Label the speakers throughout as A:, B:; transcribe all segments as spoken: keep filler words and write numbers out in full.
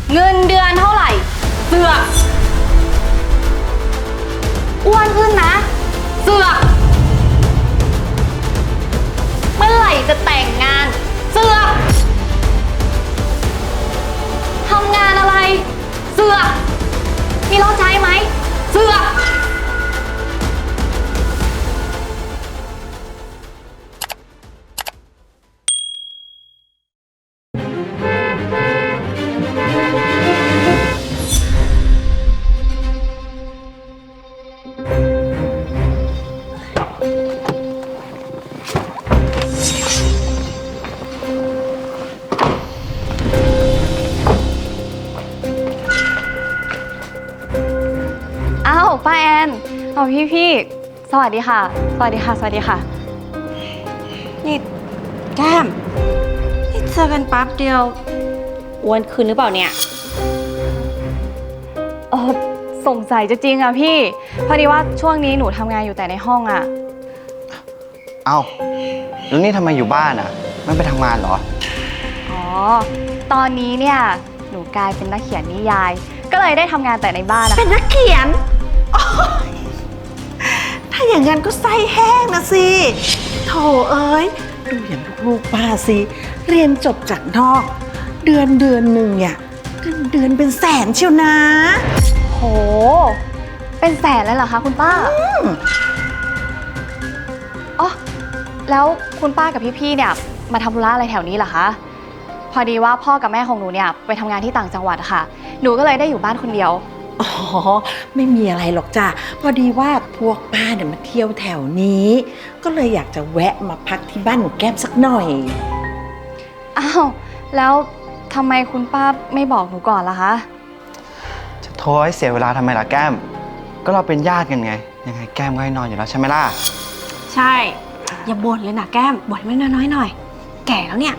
A: เงินเดือนเท่าไหร่เสือกอ้วนขึ้นนะเสือกเมื่อไหร่จะแต่งงานเสือกทำงานอะไรเสือกมีรถใช้ไหมเสือกอ้าวป้าแอนเอาพี่พี่สวัสดีค่ะสวัสดีค่ะสวัสดีค่ะ
B: นี่แก้มนี่เจอกันปั๊บเดียวอ้วนขึ้นหรือเปล่าเนี่ย
A: เออสงสัยจะจริงอะพี่พอดีว่าช่วงนี้หนูทำงานอยู่แต่ในห้องอะ
C: เอ้าแล้วนี่ทำไมอยู่บ้านอ่ะไม่ไปทำงานเหรอ
A: อ๋อตอนนี้เนี่ยหนูกลายเป็นนักเขียนนิยายก็เลยได้ทำงานแต่ในบ้านนะ
B: เป็นนักเขียนถ้าอย่างนั้นก็ไส้แห้งนะสิโถเอ้ยดูอย่างลูกๆป้าสิเรียนจบจากนอกเดือนเดือนหนึ่งเนี่ยเดือนเดือนเป็นแสนเชียวนะ
A: โหเป็นแสนเลยเหรอคะคุณป้าอ๋อแล้วคุณป้ากับพี่ๆเนี่ยมาทำธุระอะไรแถวนี้เหรอคะพอดีว่าพ่อกับแม่ของหนูเนี่ยไปทำงานที่ต่างจังหวัดค่ะหนูก็เลยได้อยู่บ้านคนเดียว
B: อ๋อไม่มีอะไรหรอกจ้ะพอดีว่าพวกป้าเนี่ยมาเที่ยวแถวนี้ก็เลยอยากจะแวะมาพักที่บ้านหนูแก้มสักหน่อย
A: อ้าวแล้วทำไมคุณป้าไม่บอกหนูก่อนล่ะคะ
C: จะโทรให้เสียเวลาทำไมล่ะแก้มก็เราเป็นญาติกันไงยังไงแก้มก็ให้นอนอยู่แล้วใช่ไหมล่ะ
B: ใช่อย่าบ่นเลยนะแก้มบ่นไม่น้อยๆหน่อยแก่แล้วเนี่ย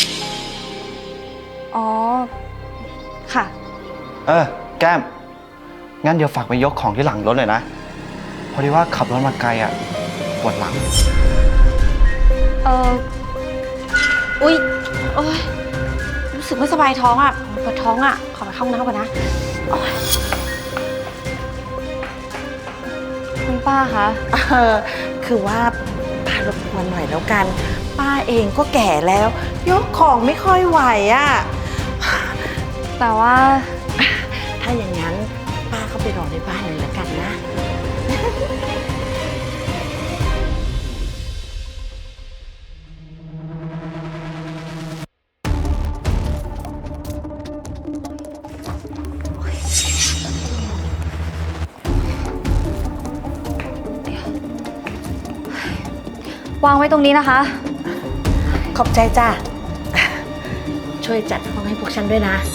A: อ๋อค่ะ
C: เออแก้มงั้นเดี๋ยวฝากไปยกของที่หลังรถเลยนะพอดีว่าขับรถมาไกลอ่ะปวดหลัง
A: เออ
B: อุ๊ยโอ๊ยรู้สึกไม่สบายท้องอ่ะปวดท้องอ่ะขอไปเข้าห้องน้ำก่อนนะ
A: คุณป้าคะ
B: เออคือว่าป้ารบกวนหน่อยแล้วกันป้าเองก็แก่แล้วยกของไม่ค่อยไหวอ่ะ
A: แต่ว่า
B: ถ้าอย่างนั้นป้าก็ไปรอในบ้านเลยละกันนะ
A: วางไว้ตรงนี้นะคะ
B: ขอบใจจ้ะช่วยจัดห้องให้พวกฉันด้วยนะ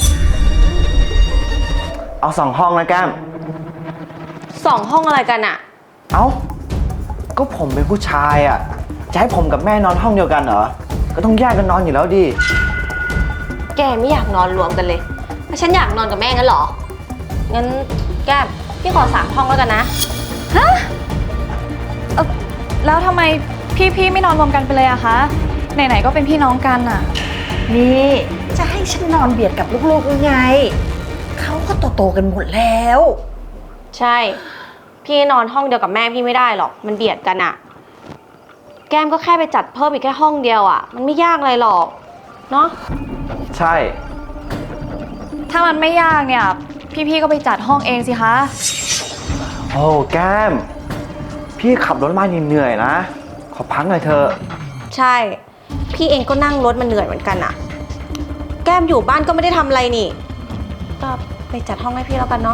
C: เอาสองห้องนะแก้ม
B: สองห้องอะไรกันอะ
C: เอ้าก็ผมเป็นผู้ชายอะจะให้ผมกับแม่นอนห้องเดียวกันเหรอก็ต้องแยกกันนอนอยู่แล้วดิ
B: แกไม่อยากนอนรวมกันเลยถ้าฉันอยากนอนกับแม่งั้นเหรองั้นแก้มพี่ขอสามห้องแล้วกันนะ
A: ฮะเออแล้วทำไมพี่ๆไม่นอนรวมกันไปเลยอะคะไหนๆก็เป็นพี่น้องกันอะ
B: นี่จะให้ฉันนอนเบียดกับลูกๆยังไงเขาก็โตๆกันหมดแล้วใช่พี่นอนห้องเดียวกับแม่พี่ไม่ได้หรอกมันเบียดกันอะแก้มก็แค่ไปจัดเพิ่มอีกแค่ห้องเดียวอะมันไม่ยากอะไรหรอกเนาะ
C: ใช่
A: ถ้ามันไม่ยากเนี่ยพี่ๆก็ไปจัดห้องเองสิคะ
C: โอ้แก้มพี่ขับรถมาเหนื่อยนะขอพักหน่อยเถอะ
B: ใช่พี่เองก็นั่งรถมันเหนื่อยเหมือนกันอะแก้มอยู่บ้านก็ไม่ได้ทำอะไรนี่ก็ไปจัดห้องให้พี่แล้วกันเนาะ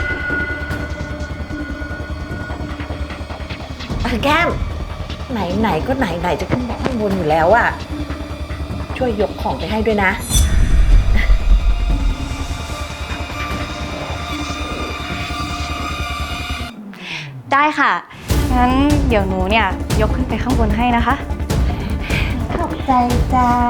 B: แก้มไหนไหนก็ไหนไหนจะขึ้นข้างบนอยู่แล้วอะช่วยยกของไปให้ด้วยนะ
A: ได้ค่ะงั้นเดี๋ยวหนูเนี่ยยกขึ้นไปข้างบนให้นะคะ
B: ขอบใจจ้า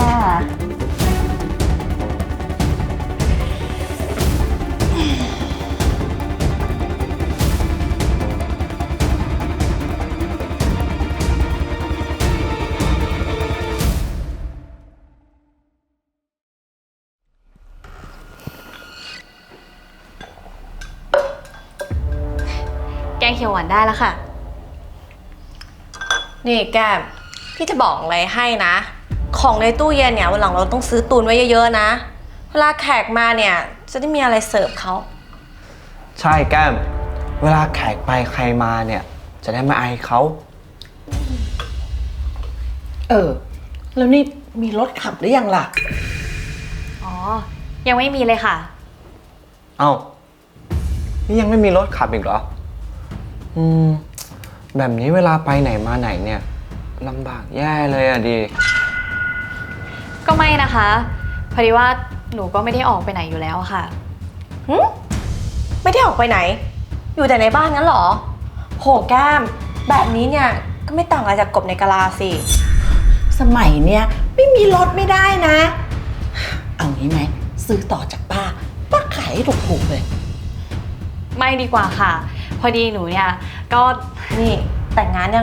A: งเขียวหวานได้แล้วค่ะ
B: นี่แก้มพี่จะบอกอะไรให้นะ ของในตู้เย็นเนี่ยวันหลังเราต้องซื้อตุนไว้เยอะๆนะ เวลาแขกมาเนี่ยจะได้มีอะไรเสิร์ฟเขา
C: ใช่แก้ม เวลาแขกไปใครมาเนี่ย จะได้ไม่อายเขา
D: เออ แล้วนี่มีรถขับหรือยังล่ะ
A: อ๋อ ยังไม่มีเลยค่ะ
C: เอ้า นี่ยังไม่มีรถขับอีกเหรอ อืม แบบนี้เวลาไปไหนมาไหนเนี่ยลำบากแย่เลยอะดี
A: ก็ไม่นะคะพอดีว่าหนูก็ไม่ได้ออกไปไหนอยู่แล้วอะค่ะ
B: หึไม่ได้ออกไปไหน อยู่แต่ในบ้านงั้นเหรอ โหแก้ม แบบนี้เนี่ยก็ไม่ต่างอะไรจากกบในกะลาสิ
D: สมัยเนี้ยไม่มีรถไม่ได้นะ เอางี้ไหมซื้อต่อจากป้า ป้าขายให้ถูกๆเลย
A: ไม่ดีกว่าค่ะ พอดีหนูเนี่ยก็
B: นี่แต่งงานยัง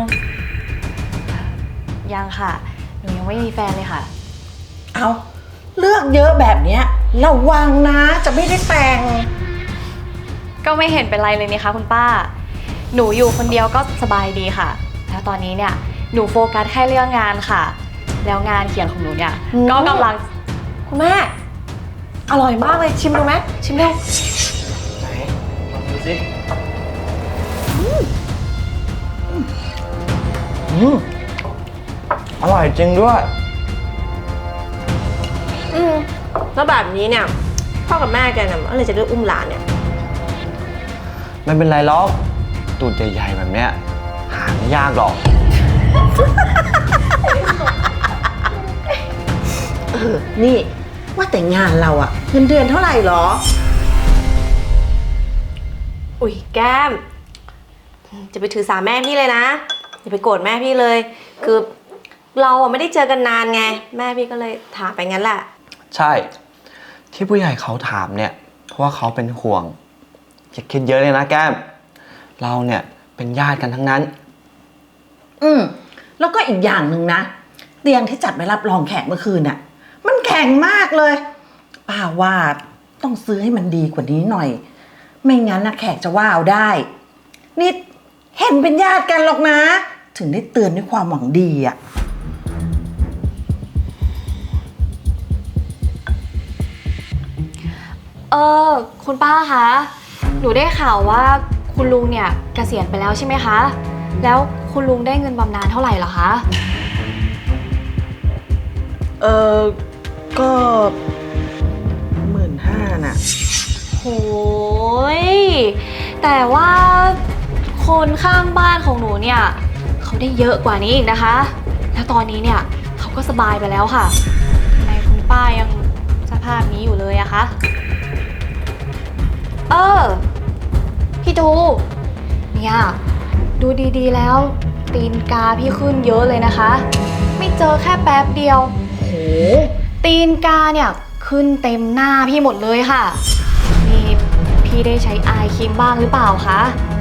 A: ยังค่ะ หนูยังไม่มีแฟนเลยค่ะ
D: เอาเลือกเยอะแบบเนี้ยระวังนะจะไม่ได้แต่ง
A: ก็ไม่เห็นเป็นไรเลยนี่คะคุณป้า หนูอยู่คนเดียวก็สบายดีค่ะ แล้วตอนนี้เนี่ยหนูโฟกัสแค่เรื่องงานค่ะ แล้วงานเขียนของหนูเนี่ย
B: อืม
A: ก็กำลัง
B: คุณแม่ อร่อยมากเลยชิมดูไหมชิมดู
C: ไหนลองดูสิอืมอร่อยจริงด้วย
B: อืมแล้วแบบนี้เนี่ยพ่อกับแม่แกเนี่ยอะไรจะเลือกอุ้มหลานเนี่ย
C: ไม่เป็นไรหรอก ตูดใหญ่ๆแบบเนี้ย หาไม่ยากหรอก
D: เออ นี่ว่าแต่งานเราอะเงินเดือนเท่าไหร่หรอ
B: อุ๊ยแก้ม จะไปถือสาแม่พี่เลยนะอย่าไปโกรธแม่พี่เลย คือเราอะไม่ได้เจอกันนานไง แม่พี่ก็เลยถามไปงั้นแหละ
C: ใช่ ที่ผู้ใหญ่เขาถามเนี่ย เพราะว่าเขาเป็นห่วง อย่าคิดเยอะเลยนะแก้ม เราเนี่ยเป็นญาติกันทั้งนั้น
D: อืมแล้วก็อีกอย่างหนึ่งนะเตียงที่จัดไว้รับรองแขกเมื่อคืนน่ะ มันแข็งมากเลยป้าว่าต้องซื้อให้มันดีกว่านี้หน่อย ไม่งั้นนะแขกจะว่าเอาได้นี่เห็นเป็นญาติกันหรอกนะ ถึงได้เตือนด้วยความหวังดีอ่ะ
A: เออคุณป้าคะ หนูได้ข่าวว่าคุณลุงเนี่ยเกษียณไปแล้วใช่ไหมคะ แล้วคุณลุงได้เงินบำนาญเท่าไหร่เหรอคะ
D: เออก็หมื่นห้าน่ะ
A: โหยแต่ว่าคนข้างบ้านของหนูเนี่ยเขาได้เยอะกว่านี้อีกนะคะ แล้วตอนนี้เนี่ยเขาก็สบายไปแล้วค่ะทำไมคุณป้ายังสภาพนี้อยู่เลยอะคะ เออ พี่ดูเนี่ยดูดีๆแล้ว ตีนกาพี่ขึ้นเยอะเลยนะคะ ไม่เจอแค่แป๊บเดียว
D: โห
A: ตีนกาเนี่ยขึ้นเต็มหน้าพี่หมดเลยค่ะนี่พี่ได้ใช้อายครีมบ้างหรือเปล่าคะ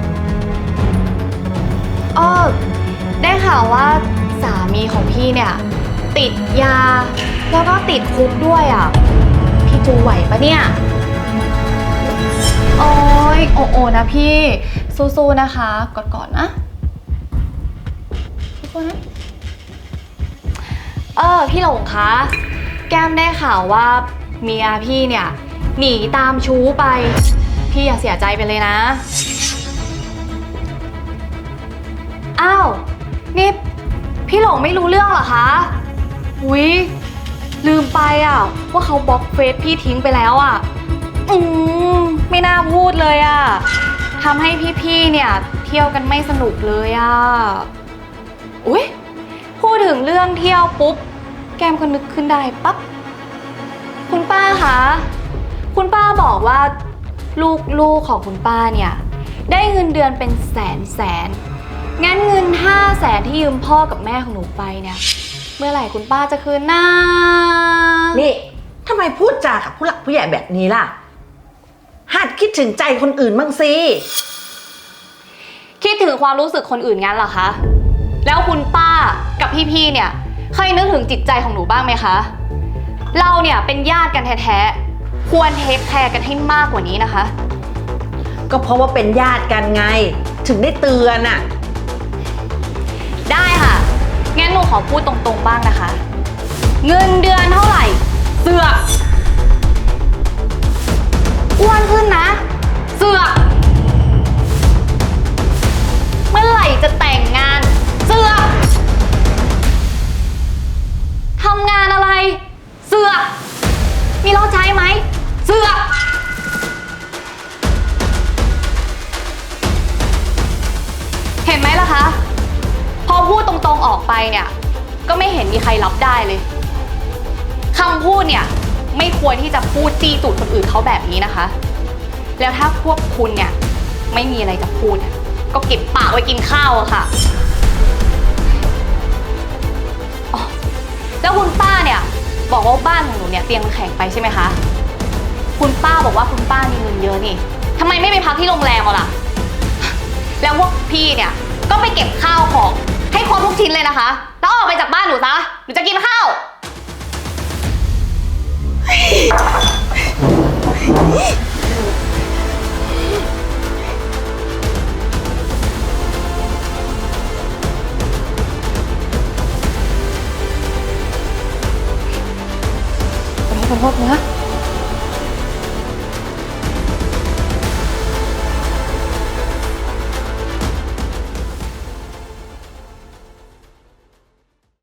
A: เออได้ข่าวว่าสามีของพี่เนี่ยติดยาแล้วก็ติดคุกด้วยอ่ะพี่จูไหวปะเนี่ยโอ้ยโอโอนะพี่สู้ๆนะคะกอดๆนะสู้ๆนะเออพี่หลงคะแก้มได้ข่าวว่าเมียพี่เนี่ยหนีตามชู้ไปพี่อย่าเสียใจไปเลยนะอ้าวนี่พี่หลงไม่รู้เรื่องเหรอคะอุ๊ยลืมไปอ่ะว่าเขาบล็อกเฟซพี่ทิ้งไปแล้วอ่ะอืมไม่น่าพูดเลยอ่ะทำให้พี่ๆเนี่ยเที่ยวกันไม่สนุกเลยอ่ะอุ๊ยพูดถึงเรื่องเที่ยวปุ๊บแก้มก็นึกขึ้นได้ปั๊บคุณป้าคะคุณป้าบอกว่าลูกๆของคุณป้าเนี่ยได้เงินเดือนเป็นแสนแสนงั้นเงินห้าแสนที่ยืมพ่อกับแม่ของหนูไปเนี่ยเมื่อไหร่คุณป้าจะคืนหน้า
D: นี่ทำไมพูดจากับผู้หลักผู้ใหญ่แบบนี้ล่ะ หัดคิดถึงใจคนอื่นบ้างสิ
A: คิดถึงความรู้สึกคนอื่นงั้นเหรอคะแล้วคุณป้ากับพี่ๆเนี่ยเคยนึกถึงจิตใจของหนูบ้างไหมคะเราเนี่ยเป็นญาติกันแท้ๆควรเทคแคร์กันให้มากกว่านี้นะคะ
D: ก็เพราะว่าเป็นญาติกันไงถึงได้เตือนอ่ะ
A: ได้ค่ะ งั้นหนูขอพูดตรงๆบ้างนะคะ เงินเดือนเท่าไหร่ เสือกอ้วนขึ้นนะ เสือกเมื่อไหร่จะแต่งงาน เสือกทำงานอะไร เสือกมีรถใช้ไหม เสือกเห็นไหมล่ะคะ พอพูดตรงๆออกไปเนี่ย ก็ไม่เห็นมีใครรับได้เลยคำพูดเนี่ยไม่ควรที่จะพูดจี้ตูดคนอื่นเขาแบบนี้นะคะ แล้วถ้าพวกคุณเนี่ยไม่มีอะไรจะพูดเนี่ยก็เก็บปากไว้กินข้าวอะค่ะอ๋อแล้วคุณป้าเนี่ยบอกว่าบ้านของหนูเนี่ยเตียงมันแข็งไปใช่ไหมคะคุณป้าบอกว่าคุณป้ามีเงินเยอะนี่ทำไมไม่ไปพักที่โรงแรมเอาล่ะแล้วพวกพี่เนี่ยก็ไปเก็บข้าวของให้ครบทุกชิ้นเลยนะคะแล้วออกไปจากบ้านหนูซะหนูจะกินข้าวขอโทษขอโทษนะ